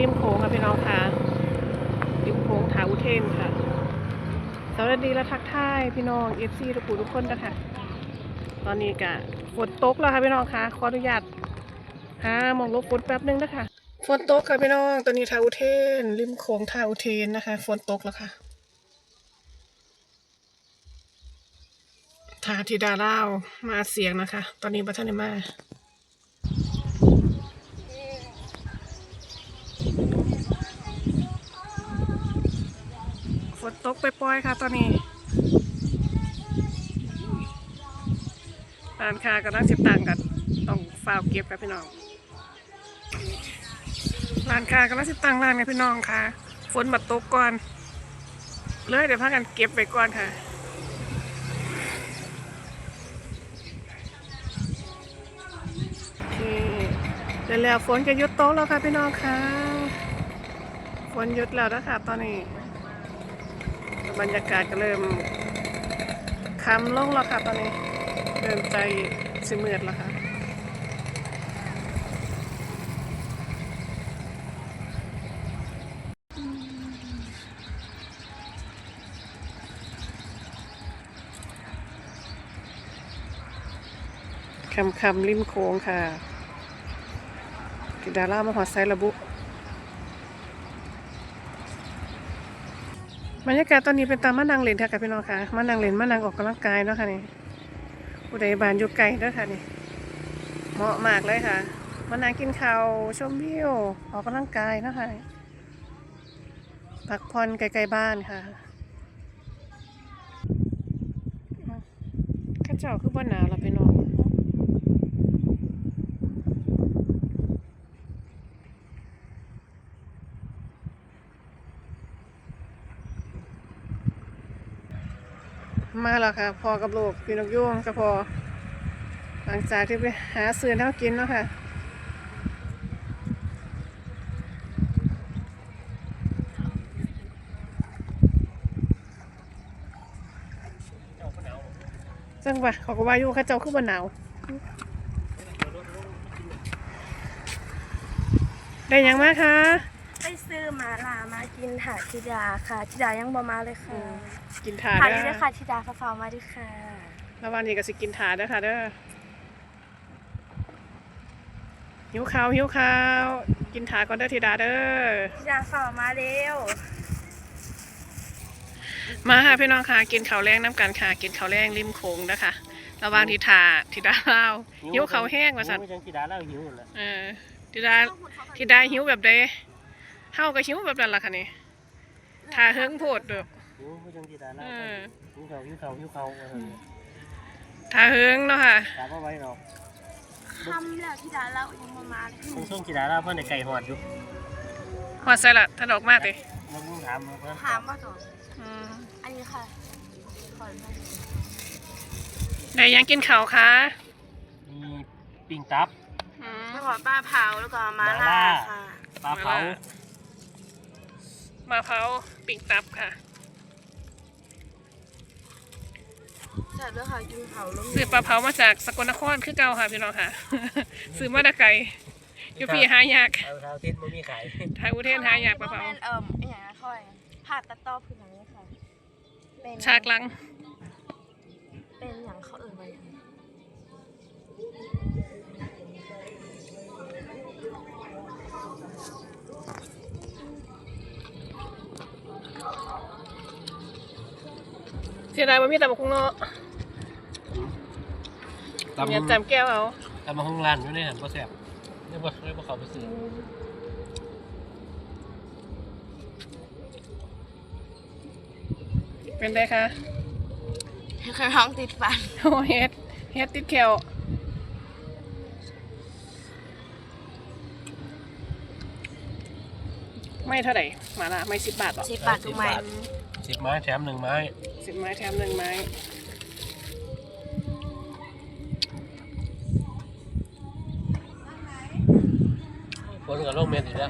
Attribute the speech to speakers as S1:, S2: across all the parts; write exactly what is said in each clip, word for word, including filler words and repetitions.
S1: ริมโขงค่ะพี่น้องค่ะริมโขงถาอุเทนค่ะสวัสดีและทักทายพี่น้องเอฟซีทุกผู้ทุกคนนะคะตอนนี้กะฝนตกแล้วค่ะพี่น้องค่ะขออนุญาตหามองลบฝนแป๊บนึงนะคะฝนตกค่ะพี่น้องตอนนี้ถาอุเทนริมโขงถาอุเทนนะคะฝนตกแล้วค่ะทาธิดาเล่ามาเสียงนะคะตอนนี้บัตรนิมาฝนตกไปปล่อยค่ะตอนนี้ร้านค้ากับร้านสิบตังกันต้องฝ้าเก็บกับพี่น้องร้านค้ากับร้านสิบตังร้านกับพี่น้องค่ะฝนมาตกก่อนเลยเดี๋ยวพากันเก็บไปก่อนค่ะเดี๋ยวแล้วฝนจะหยุดตกแล้วค่ะพี่น้องค่ะฝนหยุดแล้วนะคะตอนนี้บรรยากาศก็เริ่มค่ำลงแล้วค่ะตอนนี้เริ่มใจสิมืดแล้วค่ะคำคำริมโค้งค่ะกิดาล่ามหอไซระบุบรรยากาศตอนนี้เป็นตามมานังเล่นค่ะกับพี่น้องค่ะมานังเล่นมานังออกกำลังกายเนาะค่ะนี่อุดยบานอยู่ไกลด้วยค่ะนี่เหมาะมากเลยค่ะมานังกินข้าวชมวิวออกกำลังกายเนาะค่ะพักผ่อนไกลๆบ้านค่ะข้าเจ้าคือบ้านหนาวเราไปนอนมาแล้วค่ะพอกับลูกพี่นกยุ่งก็พอหลังจากที่ไปหาซื้อเท่ากินเนาะค่ะจังหวะเขาก็ว่าอยู่ข้าเจ้าคือบ้านหนาวได้ยังมาคะ
S2: ไปซื้อมาลามากินถาธิดาค่ะธิดายังบ่มาเลยค่ะ
S1: กินถา
S2: ถา
S1: เด้
S2: ธิ
S1: อ
S2: ดาค่ะธิดาฟ้ามาดิค่ะ
S1: แล้ววันนี้ก็สิกินถาเด้อค่ะเด้อหิวข้าวหิวข้าวกินถาก่อนเด้อธิดาเด้อ
S2: ธิดาฟ้ามาเร็ว
S1: มาค่ะพี่น้องค่ะกินข้าวแรงน้ำกันค่ะกินข้าวแรงริมโขงนะคะระหว่างที่ถาธิดาเล่าหิวข้าวแห้งว่าสั่น
S3: ธิดาเล่าหิวเลย
S1: เออธิดาธิดาหิวแบบใดเฮาก็หิวแบบนั้นล่ะค่ะนี่ถาเฮิงโพดเด้อ
S3: หิวไม่จังธิดาเล่าหิวเขาหิวเขาหิวเขา
S1: ถาเฮิงเนาะค่ะ
S3: ถาก็ไว้เนาะ
S2: ทำแล้วธิดาเล่ายังบ่มาเลย
S3: ต้องส่งธิดาเล่าเพื่อนในไก่หอดอยู่
S1: หอดใส่ละถ้าดอกมากเลย
S3: มันต้องถามเพื่อน
S2: ถามว่าต่ออันนี้ค่ะขอมา
S1: ได้ยังกินข้าวคะ
S3: มีปิ้งตับ
S2: แล้วก็ปลาเผาแล้วก็มาล่าค่ะ
S3: ปลาเผา
S1: มาเผาปิ้งตับค่ะ
S2: ใช่ด้วยค่ะกินเผาล้ม
S1: ซื้อปลาเผามาจากสกลนครคือเก่าค่ะพี่น้องค่ะซื้อมาได้ไกลอยู่พี่หายาก
S3: เท้าเทนมันมีขาย
S1: ไทยอุเทนหายากปลาเผา
S2: เอ่อไอ้อย่างนั้นค่อยผ่าตัดต่อพื้นอย่างนี้ค่ะ
S1: เป็นฉากลัง
S2: เป็นอย่างเขาเอ่ยไว้
S1: เสียดายว่ามีแต่บกคุ้งเนาะเนี่ยจำแก้วเอา
S3: ตำมาห้องร้านอยู่ในหันก็แซ่บเรียกว่าเรียกว่าเขาไปซื้อ
S1: เป็นไงคะ
S2: เคยท้องติดฟัน
S1: โอ้เฮ็ดเฮ็ดติดแขวไม่เท่าไหร่มาละไม่สิบบาทหรอ
S2: สิบบาททุกไม้
S3: สิบไม้แถมหนึ่งไม้
S1: สิบไม้แถมหนึ่งไม้
S3: ฝนกับลมเม็ดอีกแล้ว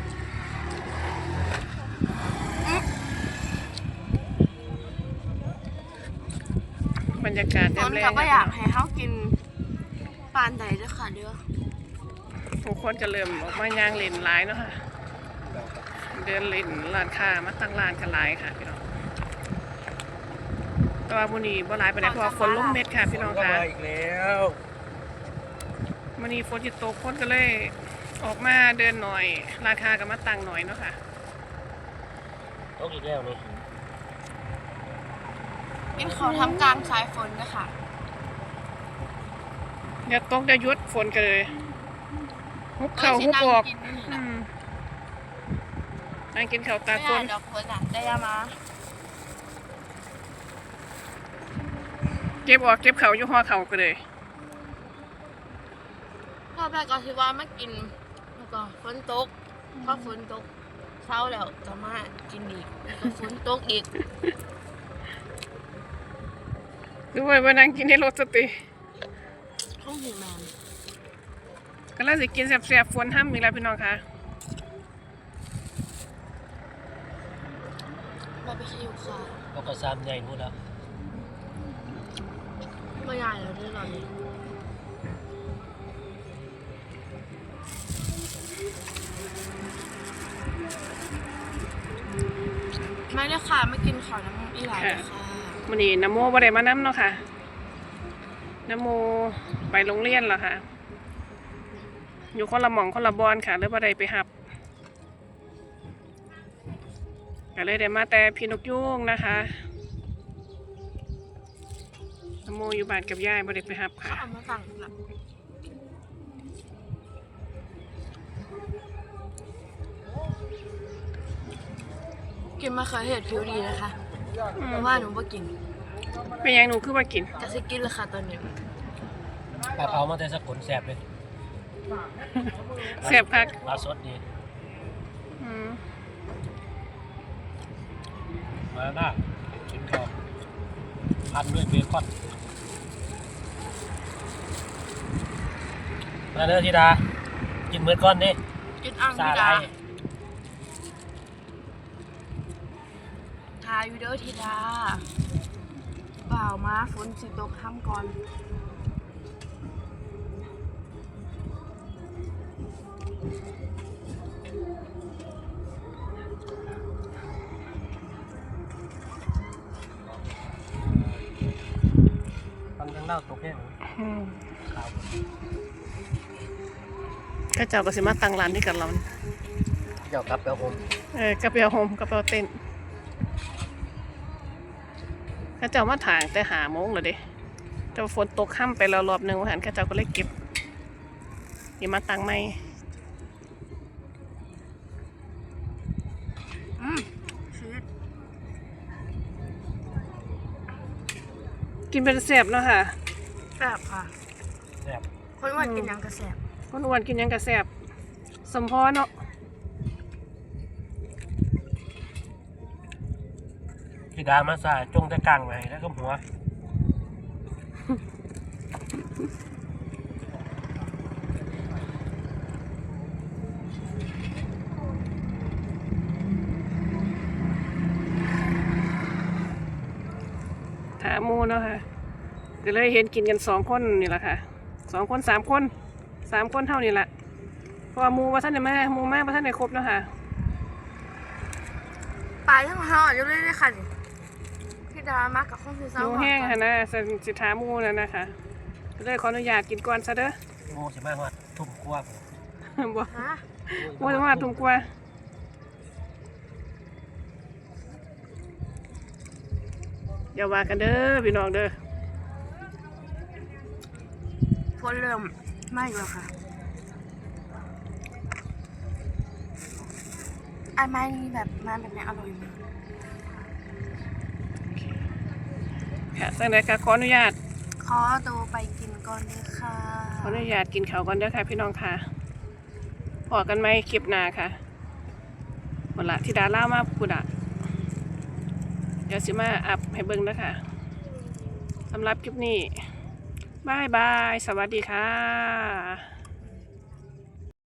S1: บรรยากาศ
S2: ฝนก็อยากให้เขากินปานใดด้วยค่ะเด้อ
S1: ทุกคนจะเริ่มออกมาย่างเล่นหลายเนาะค่ะเดินเล่นร้านค้ามาตั้งร้านกันหลายค่ะพี่น้องแต่ว่ามื้อนี้บ่หลายปานใดเพราะว่าฝนลงเม็ดค่ะพี่น้องค่ะ
S3: มาอีกแล้ว
S1: มื้อนี้ฝนสิตกคนก็เลยออกมาเดินหน่อยร้านค้าก็มาตั้งหน่อยเนาะค่ะ
S3: ตกอีกแล้วนี่
S2: เป็นเขาทำกลางสายฝนนะคะ
S1: เดี๋ยวตกเดี๋ยวหยุดฝนกันเลยฮุบเข่าฮุบออกอืมนั่งกินข้าวตา
S2: ไม่
S1: ฝ
S2: ได้
S1: น
S2: ดอกฝนอ่ะได้ยามา
S1: เก็บออกเก็บเข่าอยู่ห่อเข่ากันเลย
S2: รอบแรกก็คิดว่ามากินแล้วก็ฝนตกพอฝนตกเช้าแล้วก็มากินอีกแล้วก็ฝนตกอีก
S1: ดูไว้ว่านั่งกินในรถสติ
S2: ห้องหิวแมน
S1: ก็แล้วสิกินแซ่บๆฝนห้ามอีกแล้วพี่น้องค่ะ
S2: บาร์บีคิวค่ะ
S3: เราก็ซ้ำใหญ่หมดแล้ว
S2: ไม่ใหญ่แล้วด้วยหรอนี่ไม่ได้ค่ะไม่กินขอน้ำอีหลายเลยค่ะ
S1: มื้อนี้น้ำโมบ่ได้มานํเนาะค่ะน้ำโมไปโรงเรียนแล้วค่ะ อยู่คนละหม่องคนละบอนค่ะเลยบ่ได้ไปหับก็เลยได้มาแต่พี่นกยุงนะคะน้ำโมอยู่บ้านกับยายบ่ได้ไปหับ
S2: เขา
S1: ค่ะ
S2: เอามาสั่งแบบกินมะเขือเทศผิวดีนะคะ
S1: อื
S2: เพ
S1: ม
S2: ราะว่าหนูบ่กิน
S1: เป็นหยังหนูคือว่ากิน
S2: จะสิกินเลยค่ะตอนนี้
S3: ปลาเผามาแต่สกุลแสบเลย
S1: แซ่บคัก
S3: ปลาสดดี
S1: อืม
S3: มาหน้ากินข้าวพันด้วยเบคอนมาเด้อธิดากินมื้อก้อนนี่
S2: กินอ่าง
S3: ซา
S2: ธิ
S3: ไร
S2: ดาทายวิดีโอธิดาเปล่ามาฝนสิตกห้ามก่อน
S3: ทำทั้งเล่าตกแค่ไหน
S1: อืม
S3: ขาว
S1: ข้าเจ้าก็สิมาตั้งร้านที่กันเรา
S3: เจ้ากลับไปเอาผม
S1: เออกระเปียวโฮมกระเปียวเต้นข้าเจ้ามาถางแต่หาโมงเลยเด้แต่ว่าฝนตกค่ำไปแล้วรอบหนึ่งวันหันข้าเจ้าก็เลยเก็บอย่ามาตั้งไม่
S2: อืมชีส
S1: กินเป็นแซ่บเนาะค่ะ
S2: แซ่บค่ะ
S3: แสบ
S2: คนอ้ว่ากินหยังกระแซ่บ
S1: คนอ้วนกินหยังกระแซ่บสมพอเนาะ
S3: ธิดามาซาจงแต่กลางไว้แล้วก็หัว
S1: ถามหมูเนาะค่ะก็เลยเห็นกินกันสองคนนี่แหละค่ะสองคนสามคนสามคนเท่านี้แหละเพราะว่าหมูว่าท่านเนี่ยมาหมูมากว่าท่านเนี่ยครบเนาะค่ะ
S2: ปลาทั้งห่ออยู่เลยเลยค่ะนี่ธิดามากับข้าวซี
S1: ห
S2: ซ่า
S1: มูแห้งค่ะนะสิสิถามหมูนั่นนะคะก็เลยขออนุญาตกินก่อนซะเด้อ
S3: โม่สิมาฮอดทุ่มกว่าผม
S1: บ่
S2: ฮะ
S1: หมูจะมาทุ่มกว่าอย่าว่ากันเด้อพี่น้องเด้อ
S2: ฝนเริ่มไหม้แล้วค่ะไอ้ไม้นี่แบบมาแบบนี้อร่อยมาก
S1: ค่ะสักหน่อยค่ะขออนุญาต
S2: ขอตัวไปกินก่อนเลยค่ะ
S1: ขออนุญาตกินข้าวก่อนเด้อค่ะพี่น้องค่ะพอกันไหมคลิปหน้าค่ะหมดละที่ดาล่ามาพูดอะเดี๋ยวสิมาอัพให้เบิ่งเด้อค่ะสำหรับคลิปนี้บายบาย สวัสดีค่ะ